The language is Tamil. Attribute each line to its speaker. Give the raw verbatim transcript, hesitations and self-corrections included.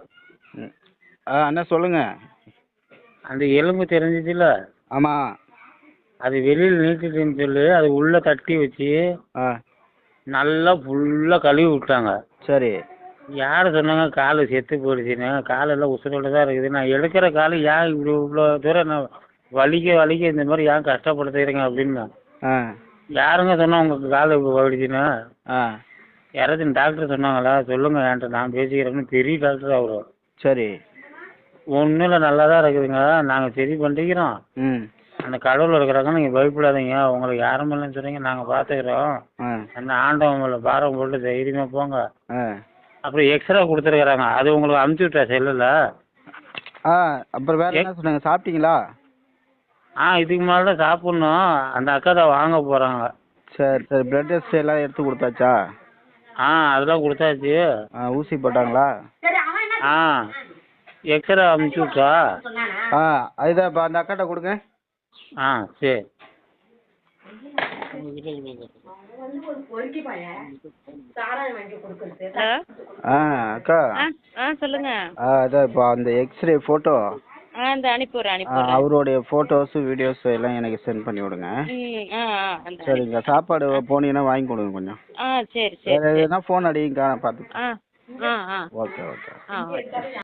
Speaker 1: ம். ஆ அண்ணா சொல்லுங்க.
Speaker 2: அந்த எலும்பு தெரிஞ்சிச்சுல,
Speaker 1: ஆமாம்.
Speaker 2: அது வெளியில் நீட்டிட்டுன்னு சொல்லி அது உள்ளே தட்டி வச்சு
Speaker 1: ஆ
Speaker 2: நல்லா ஃபுல்லாக கழுவி விட்டாங்க.
Speaker 1: சரி.
Speaker 2: யார் சொன்னாங்க காலு செத்து போயிடுச்சுன்னு? காலெல்லாம் உசுரோட தான் இருக்குது. நான் எடுக்கிற காலு ஏன் இப்படி இவ்வளோ தூரம் நான் வலிக்க வலிக்க இந்த மாதிரி ஏன் கஷ்டப்படுத்துறீங்க அப்படின்னு.
Speaker 1: ஆ
Speaker 2: யாருங்க சொன்னா உங்களுக்கு காலு இப்போ போயிடுச்சுன்னு?
Speaker 1: ஆ
Speaker 2: யாராச்சும் டாக்டர் சொன்னாங்களா? சொல்லுங்க என்கிட்ட, நான் பேசிக்கிறேன்னு. பெரிய டாக்டர் அவரு.
Speaker 1: சரி.
Speaker 2: ஒன்றும் இல்லை, நல்லா தான் இருக்குதுங்க, நாங்கள் சரி பண்ணிக்கிறோம்.
Speaker 1: ம்
Speaker 2: அந்த கடவுள் இருக்கிறாங்க, நீங்கள் பயப்படாதீங்க, உங்களுக்கு யாரும் இல்லைன்னு சொன்னீங்க, நாங்கள் பார்த்துக்குறோம்.
Speaker 1: ஆ
Speaker 2: அந்த ஆண்டவன் மேலே பாரம் போட்டு தைரியமாக போங்க.
Speaker 1: ஆ
Speaker 2: அப்புறம் எக்ஸ்ரா கொடுத்துருக்குறாங்க, அது உங்களுக்கு அமுச்சு விட்டா செல்லில்.
Speaker 1: ஆ அப்புறம் வேறு என்ன சொன்னாங்க, சாப்பிட்டீங்களா?
Speaker 2: ஆ இதுக்கு மேலே தான் சாப்பிட்ணும். அந்த அக்கா தான் வாங்க போகிறாங்க.
Speaker 1: சரி சரி. பிளட் டெஸ்ட் எல்லாம் எடுத்து கொடுத்தாச்சா?
Speaker 2: ஆ அதெல்லாம் கொடுத்தாச்சு.
Speaker 1: ஆ ஊசி போட்டாங்களா?
Speaker 2: ஆ எக்ஸ்ரா அமுச்சு விட்டா?
Speaker 1: ஆ அதுதான் இப்போ அந்த அக்காட்ட கொடுங்க.
Speaker 2: ஆ சரி.
Speaker 3: ஹலோ.
Speaker 1: ஆ அக்கா.
Speaker 3: ஆ ஆ சொல்லுங்க.
Speaker 1: ஆ அதான் இப்போ அந்த எக்ஸ்ரே ஃபோட்டோ,
Speaker 3: ஆ இந்த அனுப்பிவிட்றேன் அனுப்பிவிட்றேன்.
Speaker 1: அவருடைய ஃபோட்டோஸு வீடியோஸு எல்லாம் எனக்கு சென்ட் பண்ணி விடுங்க.
Speaker 3: ம் ஆ ஆ அந்த
Speaker 1: சரிங்க. சாப்பாடு போனீங்கன்னா வாங்கி கொடுங்க கொஞ்சம்.
Speaker 3: ஆ சரி சரி
Speaker 1: வேறு
Speaker 3: சரி.
Speaker 1: எதுனா ஃபோன் அடிங்கக்கா, நான் பார்த்து.
Speaker 3: ஆ ஆ ஆ
Speaker 1: ஓகே ஓகே.
Speaker 3: ஆ ஓகே.